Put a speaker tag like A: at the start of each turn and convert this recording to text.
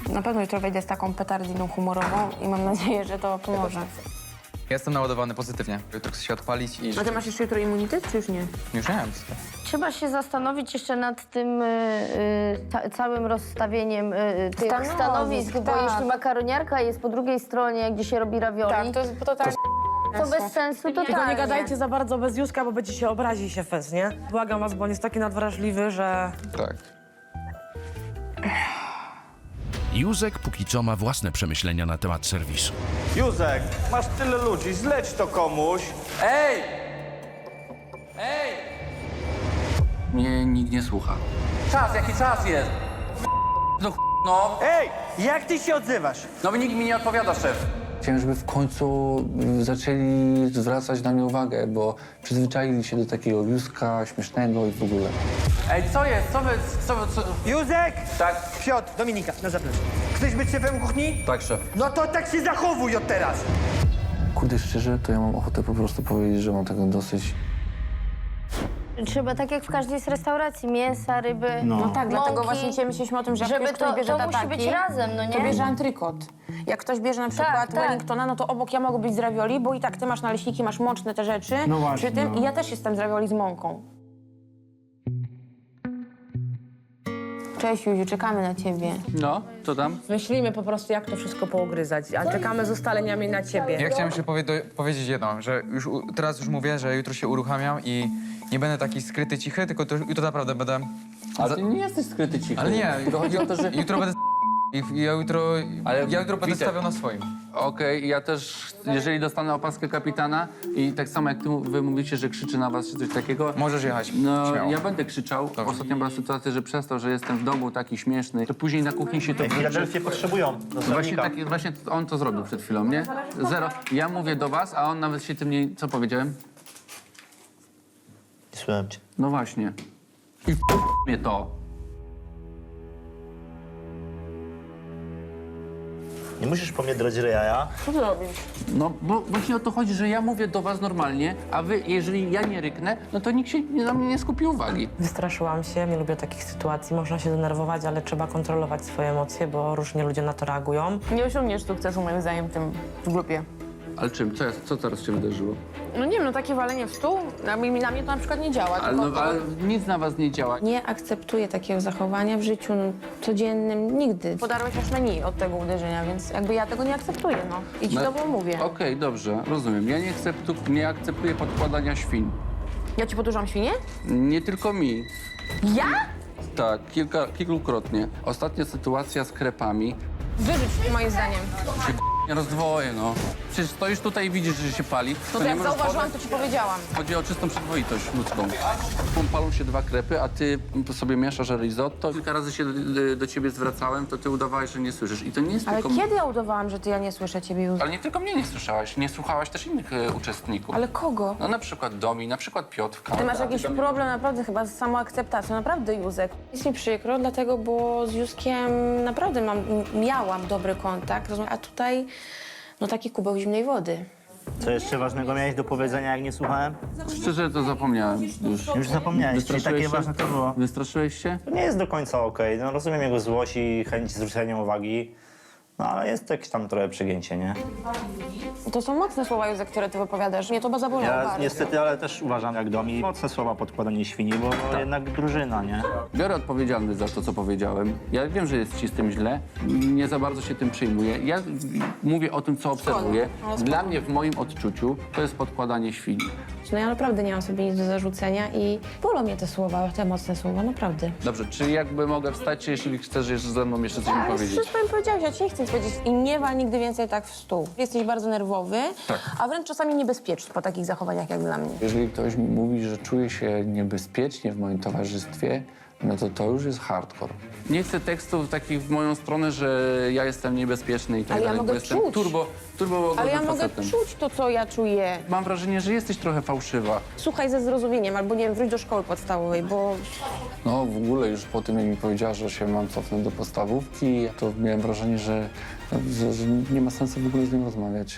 A: Na pewno jutro wejdę z taką petardiną humorową i mam nadzieję, że to pomoże.
B: Jestem naładowany pozytywnie. Jutro chcę się odpalić i...
A: A ty masz jeszcze jutro immunitet, czy już nie?
B: Już nie wiem.
C: Trzeba się zastanowić jeszcze nad tym całym rozstawieniem tych stanowisk, bo
A: tak.
C: jeśli makaroniarka jest po drugiej stronie, gdzie się robi ravioli,
A: Tak, to jest totalnie...
C: to bez sensu totalnie.
D: Tylko nie gadajcie za bardzo bez Józka, bo będzie się obrazi się fez, nie? Błagam was, bo on jest taki nadwrażliwy, że...
B: Tak.
E: Józek póki co ma własne przemyślenia na temat serwisu.
F: Józek, masz tyle ludzi, zleć to komuś.
G: Ej! Ej! Mnie nikt nie słucha. Czas, jaki czas jest? No,
F: Ej, jak ty się odzywasz?
G: no nikt mi nie odpowiada, szef. Chciałem, żeby w końcu zaczęli zwracać na mnie uwagę, bo przyzwyczaili się do takiego Józka śmiesznego i w ogóle. Ej, co jest? Co?
F: Józek!
G: Tak,
F: Piotr, Dominika, na zaplecze. Chcesz być szefem kuchni?
G: tak, szef.
F: No to tak się zachowuj od teraz.
G: Kurde, szczerze, to ja mam ochotę po prostu powiedzieć, że mam tego dosyć.
C: Trzeba tak jak w każdej z restauracji, mięsa, ryby,
A: No tak, dlatego
C: mąki,
A: właśnie dzisiaj myśleliśmy o tym, że jak
C: żeby
A: już ktoś bierze
C: to musi
A: tataki,
C: być razem, no nie?
A: to bierze antrykot. Jak ktoś bierze na przykład
C: tak.
A: Wellingtona, no to obok ja mogę być z ravioli, bo i tak ty masz naleśniki, masz mączne te rzeczy przy tym i ja też jestem z ravioli z mąką. Cześć Juziu, czekamy na ciebie.
G: No, co tam?
D: Myślimy po prostu, jak to wszystko pougryzać, a czekamy z ustaleniami na ciebie.
B: Ja chciałem jeszcze powiedzieć jedno, że teraz już mówię, że jutro się uruchamiam i nie będę taki skryty, cichy, tylko jutro naprawdę będę...
G: Ale ty nie jesteś skryty cichy.
B: Ale nie,
G: To chodzi o to, że...
B: jutro będę i ja jutro będę
G: Witek,
B: stawiał na swoim.
G: Okej, ja też, jeżeli dostanę opaskę kapitana i tak samo jak wy mówicie, że krzyczy na was czy coś takiego,
B: Możesz jechać,
G: no
B: śmiało.
G: ja będę krzyczał. Ostatnio była sytuacja, że przez to, że jestem w domu taki śmieszny, to później na kuchni się to...
F: Filadelfię potrzebują.
G: Właśnie on to zrobił przed chwilą, nie? Zero. Ja mówię do was, a on nawet się tym nie... Co powiedziałem?
F: Nie słucham cię.
G: No właśnie. I mnie to.
F: Nie musisz po mnie drać ryja.
A: Co ty robisz?
G: No bo właśnie o to chodzi, że ja mówię do was normalnie, a wy, jeżeli ja nie ryknę, no to nikt się na mnie nie skupi uwagi.
D: Wystraszyłam się, nie lubię takich sytuacji. Można się denerwować, ale trzeba kontrolować swoje emocje, bo różnie ludzie na to reagują.
A: Nie osiągniesz sukcesu moim zdaniem w grupie.
G: Ale czym? Co teraz się wydarzyło?
A: No nie wiem, no takie walenie w stół, na mnie to na przykład nie działa.
G: Ale,
A: tylko
G: no, ale nic na was nie działa.
A: Nie akceptuję takiego zachowania w życiu codziennym, nigdy. Podarłeś aż menu od tego uderzenia, więc jakby ja tego nie akceptuję, no. I ci
G: No,
A: to było mówię.
G: Okej, dobrze, rozumiem. Ja nie akceptuję podkładania świń.
A: Ja ci podłużam świnie?
G: Nie tylko mi.
A: Ja?
G: Tak, kilkukrotnie. Ostatnia sytuacja z krepami.
A: Wyrzuć moim zdaniem.
G: Nie rozdwoję, no. Przecież stoisz tutaj i widzisz, że się pali.
A: No to
G: nie
A: jak
G: możesz
A: zauważyłam, to ci powiedziałam.
G: Chodzi o czystą przyzwoitość ludzką. Palą się 2 krepy, a ty sobie mieszasz risotto. Kilka razy się do ciebie zwracałem, to ty udawałeś, że nie słyszysz. I to nie jest
A: Ale
G: tylko...
A: kiedy ja udawałam, że ja nie słyszę ciebie już?
G: Ale nie tylko mnie nie słyszałaś, nie słuchałaś też innych uczestników.
A: Ale kogo?
G: No na przykład Domi, na przykład Piotrka.
A: Ty masz jakiś problem naprawdę chyba z samoakceptacją, naprawdę Józek. Jest mi przykro, dlatego, bo z Józkiem naprawdę miałam dobry kontakt, a tutaj no taki kubeł zimnej wody.
F: Co jeszcze ważnego miałeś do powiedzenia, jak nie słuchałem?
G: Szczerze to zapomniałem już.
F: Już zapomniałeś, czyli takie ważne to było.
G: Wystraszyłeś się?
F: To nie jest do końca okej. No rozumiem jego złość i chęć zwrócenia uwagi. No ale jest jakieś tam trochę przegięcie, nie?
A: To są mocne słowa, Józek, które ty wypowiadasz. Mnie to zabolało
F: Ja
A: bardzo.
F: niestety, ale też uważam jak Domi. Mocne słowa podkładanie świni, bo jednak drużyna, nie?
G: Biorę odpowiedzialność za to, co powiedziałem. Ja wiem, że jest ci z tym źle. Nie za bardzo się tym przejmuję. Ja mówię o tym, co obserwuję. Dla mnie, w moim odczuciu, to jest podkładanie świni.
A: No ja naprawdę nie mam sobie nic do zarzucenia i bolą mnie te słowa, te mocne słowa, naprawdę.
G: Dobrze, czy jakby mogę wstać, jeśli chcesz jeszcze ze mną jeszcze coś mi
A: Ale
G: powiedzieć?
A: wszystko mi powiedziałeś, ja ci nie chcę nic powiedzieć. I nie wal nigdy więcej tak w stół. Jesteś bardzo nerwowy, a wręcz czasami niebezpieczny po takich zachowaniach jak dla mnie.
G: Jeżeli ktoś mi mówi, że czuje się niebezpiecznie w moim towarzystwie, no to już jest hardcore. Nie chcę tekstów takich w moją stronę, że ja jestem niebezpieczny i tak
A: Ale ja
G: dalej,
A: mogę
G: bo jestem
A: czuć.
G: turbo
A: Ale ja
G: łagodnym
A: mogę
G: facetem.
A: czuć to, co ja czuję.
G: Mam wrażenie, że jesteś trochę fałszywa.
A: Słuchaj ze zrozumieniem, albo nie wiem, wróć do szkoły podstawowej, bo
G: No w ogóle już po tym, jak mi powiedziała, że się mam cofnąć do podstawówki, to miałem wrażenie, że nie ma sensu w ogóle z nim rozmawiać.